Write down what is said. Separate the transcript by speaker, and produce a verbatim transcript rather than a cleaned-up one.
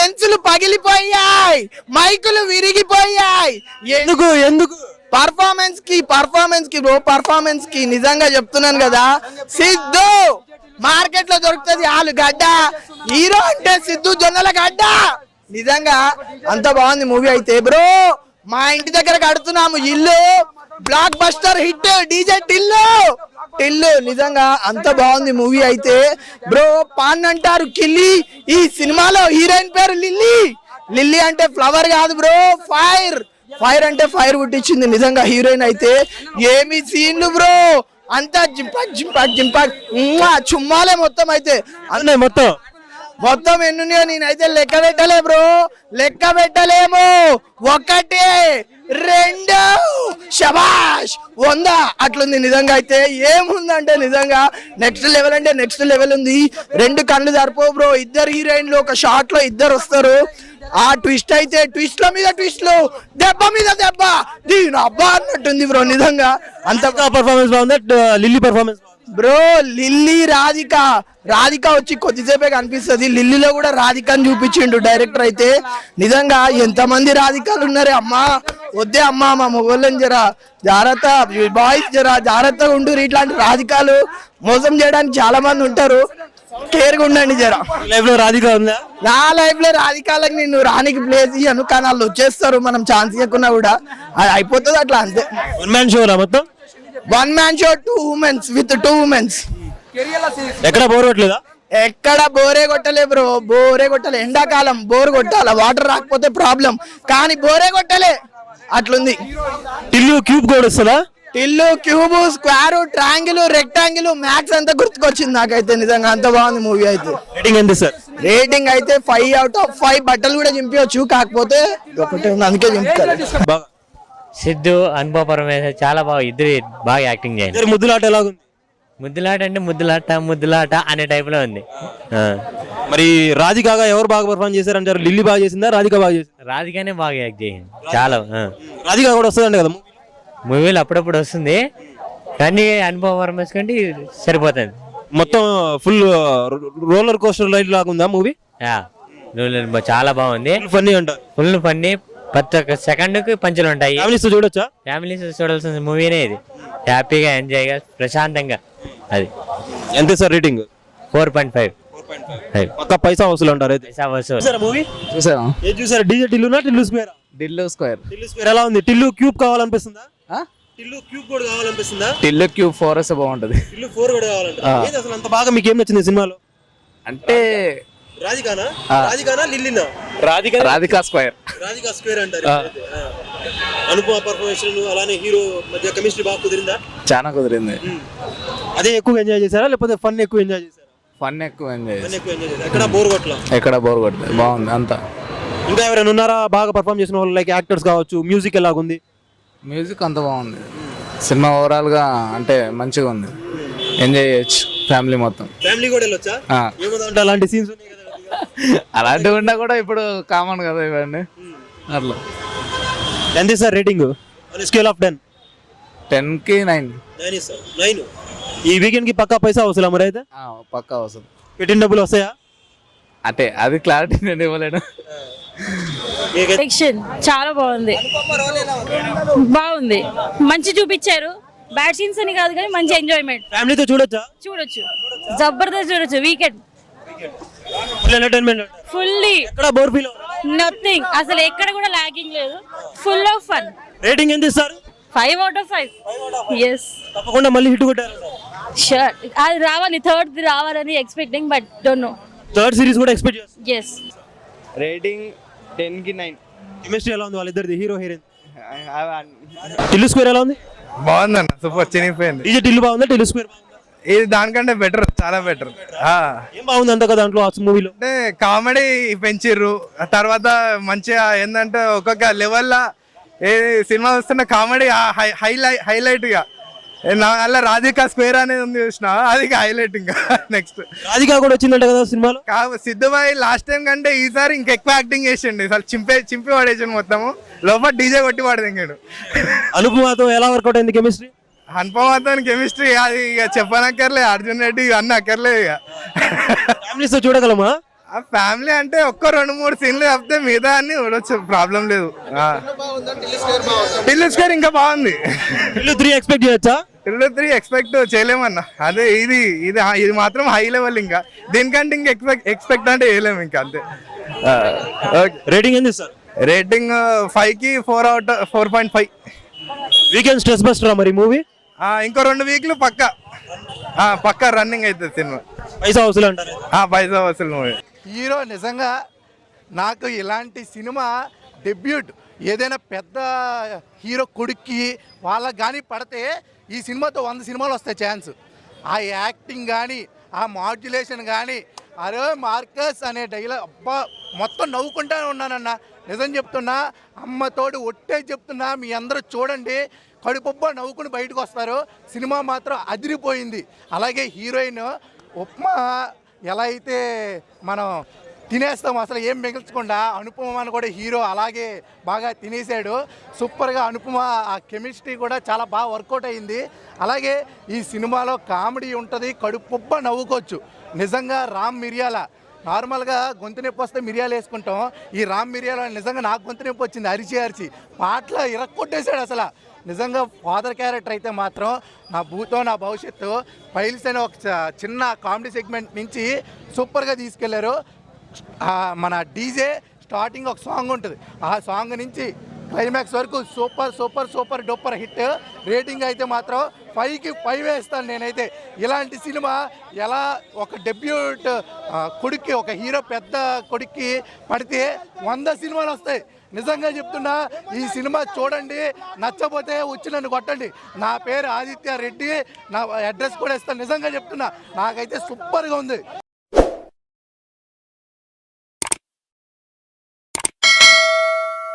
Speaker 1: లెన్సులు పగిలిపోయాయి, మైకులు విరిగిపోయాయి.
Speaker 2: ఎందుకు ఎందుకు
Speaker 1: పర్ఫార్మెన్స్ కి పర్ఫార్మెన్స్ కి బ్రో పర్ఫార్మెన్స్ కి నిజంగా చెప్తున్నాను కదా. సిద్ధు మార్కెట్ లో దొరుకుతుంది ఆలుగడ్డ, హీరో అంటే సిద్ధు జొన్నల గడ్డ. నిజంగా అంత బాగుంది మూవీ అయితే బ్రో. మా ఇంటి దగ్గర కడుతున్నాము ఇల్లు, blockbuster hit DJ Tillu Tillu. నిజంగా అంత బాగుంది మూవీ అయితే బ్రో. పాన్ అంటారు కిల్లి, ఈ సినిమాలో హీరోయిన్ పేరు లిల్లీ. లిల్లీ అంటే ఫ్లవర్ కాదు బ్రో, ఫైర్. ఫైర్ అంటే ఫైర్ పుట్టించింది నిజంగా హీరోయిన్ అయితే. ఏమి సీన్లు బ్రో, అంతా జింపాక్ జింపాక్ జింపాక్ చుమ్మాలే మొత్తం అయితే.
Speaker 2: అన్నీ మొత్తం
Speaker 1: మొత్తం ఎన్నున్నాయో నేనైతే లెక్క పెట్టలే బ్రో, లెక్క పెట్టలేము. ఒకటి రెండు శబాష్ వంద అట్లుంది నిజంగా అయితే. ఏముందంటే నిజంగా నెక్స్ట్ లెవెల్ అంటే నెక్స్ట్ లెవెల్ ఉంది. రెండు కళ్ళు సరిపో బ్రో. ఇద్దరు హీరోయిన్లు ఒక షాట్ లో ఇద్దరు వస్తారు. ఆ ట్విస్ట్ అయితే ట్విస్ట్ల మీద ట్విస్ట్లు, దెబ్బ మీద దెబ్బ, దీని అబ్బా అన్నట్టుంది బ్రో నిజంగా. అంత
Speaker 2: పర్ఫార్మెన్స్ బాగుంది. Lilly performance
Speaker 1: bro Lilly Radhika Radhika వచ్చి కొద్దిసేపే కనిపిస్తుంది. లిల్లీలో కూడా రాధికని చూపించిండు డైరెక్టర్ అయితే. నిజంగా ఎంతమంది రాధికాలు ఉన్నారే అమ్మా. వద్దే అమ్మా మా మొగోళ్ళని జరా జాగ్రత్త, బాయ్స్ జరా జాగ్రత్తగా ఉండు. ఇట్లాంటి రాధికాలు మోసం చేయడానికి చాలా మంది ఉంటారు, కేర్గా ఉండండి జరా.
Speaker 2: లైఫ్ లో రాధిక ఉందా?
Speaker 1: నా లైఫ్ లో రాధికాలకు నేను రానికి ప్లేస్ ఇయ్యను, కానీ వాళ్ళు వచ్చేస్తారు మనం ఛాన్స్ ఇవ్వకున్నా కూడా. అది అయిపోతుంది అట్లా అంతే.
Speaker 2: వన్ మ్యాన్ షో రా మొత్తం.
Speaker 1: One man show, two womens with two womens.
Speaker 2: ఎక్కడ బోర్ కొట్టలేదా?
Speaker 1: ఎక్కడ బోరే కొట్టలే బ్రో, బోరే కొట్టలే. ఎండాకాలం బోర్ కొట్టాల, వాటర్ రాకపోతే ప్రాబ్లం, కానీ బోరే కొట్టలే అట్లుంది.
Speaker 2: టిల్లు క్యూబ్ కూడా వస్తుందా?
Speaker 1: Tillu cube square triangle rectangle max అంతా గుర్తుకొచ్చింది నాకైతే. నిజంగా అంత బాగుంది మూవీ అయితే.
Speaker 2: రేటింగ్ ఎంత సార్?
Speaker 1: రేటింగ్ అయితే ఫైవ్ అవుట్ ఆఫ్ ఫైవ్. బట్టలు కూడా చింపవచ్చు, కాకపోతే ఒకటే ఉంది అందుకే చింపుతారు.
Speaker 3: సిద్ధు అనుభవ పరమేశ్వర్ చాలా బాగా, ఇద్దరు బాగా యాక్టింగ్ చేయండి.
Speaker 2: ముద్దులాట ఎలాగుంది?
Speaker 3: ముద్దులాట అంటే ముద్దులాట ముద్దులాట అనే టైప్ లో ఉంది.
Speaker 2: మరి రాధికాగా ఎవరు బాగా పర్ఫార్మ్ చేశారంటారు? లిల్లీ బాగా చేసిందా, రాధిక బాగా చేసిందా?
Speaker 3: రాధికానే బాగా యాక్ట్ చేసింది చాలా.
Speaker 2: రాధిక కూడా వస్తుందండి కదా
Speaker 3: మూవీలు అప్పుడప్పుడు వస్తుంది, కానీ అనుభవ పరమేశ్వర్ కంటే సరిపోతుంది.
Speaker 2: మొత్తం ఫుల్ రోలర్ కోస్టర్ రైడ్ లాగా ఉందా మూవీ?
Speaker 3: చాలా బాగుంది,
Speaker 2: ఫన్నీ అంటారు.
Speaker 3: ఫుల్ ఫన్నీ, ప్రతి ఒక్క సెకండ్ కి పంచులు ఉంటాయి.
Speaker 2: ఫ్యామిలీస్ చూడొచ్చా?
Speaker 3: ఫ్యామిలీస్ చూడాల్సిన మూవీనే ఇది. హ్యాపీగా ఎంజాయ్ గా ప్రశాంతంగా. అది
Speaker 2: ఎంత sir rating?
Speaker 3: Four point five.
Speaker 2: పక్కా పైసా వసూలు అంటారు అయితే.
Speaker 3: పైసా వసూలు.
Speaker 2: మూవీ
Speaker 4: చూసారా?
Speaker 2: ఏం చూసారా? డీజే టిల్లునా Tillu square?
Speaker 4: Tillu square.
Speaker 2: Tillu square ఎలా ఉంది? టిల్లు క్యూబ్ కావాలనిపిస్తుందా? టిల్లు క్యూబ్ కూడా కావాలనిపిస్తుందా?
Speaker 4: టిల్లు క్యూబ్ ఫోర్ వస్తే బాగుంటది.
Speaker 2: టిల్లు ఫోర్ కూడా కావాలంటే ఏది అసలు అంత బాగా మీకు ఏం నచ్చింది సినిమాలో?
Speaker 4: అంటే
Speaker 2: రాధికానా రాధికానా లిల్లీనా?
Speaker 4: రాధిక రాధికా స్క్వేర్.
Speaker 2: రాధికా స్క్వేర్ అంటారు. అనుపమ పర్ఫార్మెన్స్ అలానే హీరో మధ్య కెమిస్ట్రీ బాగా కుదిరిందా?
Speaker 4: చాలా కుదిరింది.
Speaker 2: అదే ఎక్కువ ఎంజాయ్ చేశారా లేకపోతే ఫన్ ఎక్కువ ఎంజాయ్ చేశారా?
Speaker 4: ఫన్ ఎక్కువ ఎంజాయ్
Speaker 2: ఫన్ ఎక్కువ ఎంజాయ్ చేశారు. ఎక్కడ బోర్ కొట్టలా?
Speaker 4: ఎక్కడ బోర్ కొట్టలేదు, బాగుంది అంతా.
Speaker 2: ఇంకా ఎవరైనా ఉన్నారా బాగా పర్ఫార్మ్ చేసిన వాళ్ళు? లైక్ యాక్టర్స్ కావచ్చు. మ్యూజిక్ ఎలాగుంది?
Speaker 4: మ్యూజిక్ అంత బాగుంది. సినిమా ఓవరాల్ గా అంటే మంచిగా ఉంది, ఎంజాయ్ చేయొచ్చు ఫ్యామిలీ మొత్తం.
Speaker 2: ఫ్యామిలీ కూడా వెళ్ళొచ్చా? ఏముందంటే అలాంటి సీన్స్ ఉన్నాయి కదా.
Speaker 4: అలాంటివి ఉన్నా కూడా ఇప్పుడు కామన్ కదా ఇవన్నీ. అట్లా
Speaker 2: ఎంత sir rating? Scale of ten?
Speaker 4: Ten కి నైన్.
Speaker 2: నైన్. ఈ వీకెండ్ కి పక్కా పైసా వసూలా మరి అయితే?
Speaker 4: పక్కా అవసరం.
Speaker 2: పెట్టిన డబ్బులు వస్తాయా?
Speaker 4: అంటే అది క్లారిటీ నేను ఇవ్వలేను.
Speaker 5: చాలా బాగుంది, బాగుంది, మంచి చూపించారు. బ్యాడ్ సీన్స్ అని కాదు కానీ మంచి ఎంజాయ్మెంట్.
Speaker 2: ఫ్యామిలీతో చూడొచ్చా?
Speaker 5: చూడొచ్చు, జబర్దస్త్ చూడొచ్చు. వీకెండ్ ఫుల్లీ
Speaker 2: ఎక్కడ బోర్ ఫీల్?
Speaker 5: నథింగ్, అసలు ఎక్కడ కూడా లాగింగ్ లేదు, ఫుల్ ఆఫ్ ఫన్.
Speaker 2: రేటింగ్ ఎంత ఇస్తారు?
Speaker 5: Five out of five. Yes,
Speaker 2: తప్పకుండా మళ్ళీ హిట్ కొట్టారు.
Speaker 5: షూర్, అది రావాలి, థర్డ్ రావాలని expecting, but don't know.
Speaker 2: Third series కూడా ఎక్స్పెక్ట్ చేస్తారు.
Speaker 5: ఎస్.
Speaker 4: రేటింగ్ టెన్ కి నైన్.
Speaker 2: కెమిస్ట్రీ ఎలా ఉంది వాళ్ళిద్దరిది, హీరో హీరోయిన్? టిల్లు స్క్వేర్ ఎలా ఉంది?
Speaker 6: బాగుందన్న, సూపర్, చినిగిపోయింది.
Speaker 2: డీజే టిల్లు బాగుందా, టిల్లు స్క్వేర్ బాగుందా?
Speaker 6: ఇది దానికంటే బెటర్, చాలా బెటర్.
Speaker 2: ఏం బాగుంది అంత కదా దాంట్లో మూవీలో?
Speaker 6: అంటే కామెడీ పెంచిర్రు, తర్వాత మంచిగా ఏంటంటే ఒక్కొక్క లెవెల్లో ఏ సినిమా వస్తున్న కామెడీ హైలైట్ హైలైట్ గా అలా రాధికా స్క్వేర్ అనేది ఉంది చూసిన, అది హైలైట్. ఇంకా నెక్స్ట్
Speaker 2: రాధికా కూడా వచ్చిందంట కదా సినిమాలో.
Speaker 6: సిద్ధుబాయ్ లాస్ట్ టైం కంటే ఈసారి ఇంకా ఎక్కువ యాక్టింగ్ చేసిండు, అసలు చింపే చింపి పడేసాడు మొత్తము, లోపల డీజే కొట్టి పడదింగాడు.
Speaker 2: అనుపమతో ఎలా వర్కౌట్ అయింది కెమిస్ట్రీ?
Speaker 6: అనుపమతో కెమిస్ట్రీ అది ఇక చెప్పనక్కర్లే, అర్జున్ రెడ్డి అన్న అక్కర్లేదు. ఇక
Speaker 2: ఫ్యామిలీస్ తో చూడగలమా?
Speaker 6: ఆ ఫ్యామిలీ అంటే ఒక్క రెండు మూడు సీన్లు తప్పితే మిగతా అన్ని చూడొచ్చు, ప్రాబ్లం లేదు. టిల్లు స్క్వేర్ ఇంకా బాగుంది.
Speaker 2: ఇల్లు త్రీ ఎక్స్పెక్ట్ చేయొచ్చా?
Speaker 6: టిల్లు త్రీ ఎక్స్పెక్ట్ చేయలేమన్నా, అదే ఇది ఇది ఇది మాత్రం హై లెవెల్. ఇంకా దీనికంటే ఇంకా ఎక్స్పెక్ట్ ఎక్స్పెక్ట్ అంటే చేయలేము ఇంకా, అంతే.
Speaker 2: రేటింగ్ ఎంత సార్?
Speaker 6: రేటింగ్ ఫైవ్ కి four out four point five.
Speaker 2: Weekend stress బస్టరా మరి మూవీ?
Speaker 6: ఇంకో రెండు వీక్లు పక్క పక్క రన్నింగ్ అవుతుంది సినిమా.
Speaker 2: పైసా వసూలు అంటారు.
Speaker 6: పైసా వసూలు మూవీ.
Speaker 7: హీరో నిజంగా నాకు ఇలాంటి సినిమా డెబ్యూట్ ఏదైనా పెద్ద హీరో కొడుక్కి వాళ్ళకి కానీ పడితే ఈ సినిమాతో వంద సినిమాలు వస్తాయి ఛాన్స్. ఆ యాక్టింగ్ కానీ ఆ మాడ్యులేషన్ కానీ, అరే మార్కస్ అనే డైలాగ్ అబ్బా మొత్తం నవ్వుకుంటానే ఉన్నానన్న. నిజం చెప్తున్నా, అమ్మతోడు ఒట్టే చెప్తున్నా, మీ అందరూ చూడండి, కడుపుబ్బా నవ్వుకుని బయటకు వస్తారు. సినిమా మాత్రం అదిరిపోయింది. అలాగే హీరోయిన్ ఉప్మా ఎలా అయితే మనం తినేస్తాం అసలు ఏం మిగిల్చకుండా, అనుపమని కూడా హీరో అలాగే బాగా తినేసాడు. సూపర్గా అనుపమ ఆ కెమిస్ట్రీ కూడా చాలా బాగా వర్కౌట్ అయింది. అలాగే ఈ సినిమాలో కామెడీ ఉంటుంది, కడుపుబ్బ నవ్వుకోవచ్చు. నిజంగా రామ్ మిరియాల నార్మల్గా గొంతు నొప్పి వస్తే మిరియాలు వేసుకుంటాం, ఈ రామ్ మిరియాల నిజంగా నాకు గొంతు నొప్పి వచ్చింది అరిచి అరిచి. పాటలో ఇరక్కొట్టేశాడు అసలు. నిజంగా ఫాదర్ క్యారెక్టర్ అయితే మాత్రం నా భూతో నా భవిష్యత్తు ఫైల్స్ అనే ఒక చిన్న కామెడీ సెగ్మెంట్ నుంచి సూపర్గా తీసుకెళ్లారు. మన డీజే స్టార్టింగ్ ఒక సాంగ్ ఉంటుంది, ఆ సాంగ్ నుంచి క్లైమాక్స్ వరకు super super super duper hit. Rating అయితే మాత్రం ఫైవ్కి ఫైవ్ వేస్తాను నేనైతే. ఇలాంటి సినిమా ఎలా ఒక డెబ్యూట్ కొడుక్కి, ఒక హీరో పెద్ద కొడుక్కి పడితే వంద సినిమాలు వస్తాయి. నిజంగా చెప్తున్నా, ఈ సినిమా చూడండి, నచ్చపోతే వచ్చి నన్ను కొట్టండి. నా పేరు ఆదిత్య రెడ్డి, నా అడ్రస్ కూడా ఇస్తాను. నిజంగా చెప్తున్నా, నాకైతే సూపర్గా ఉంది.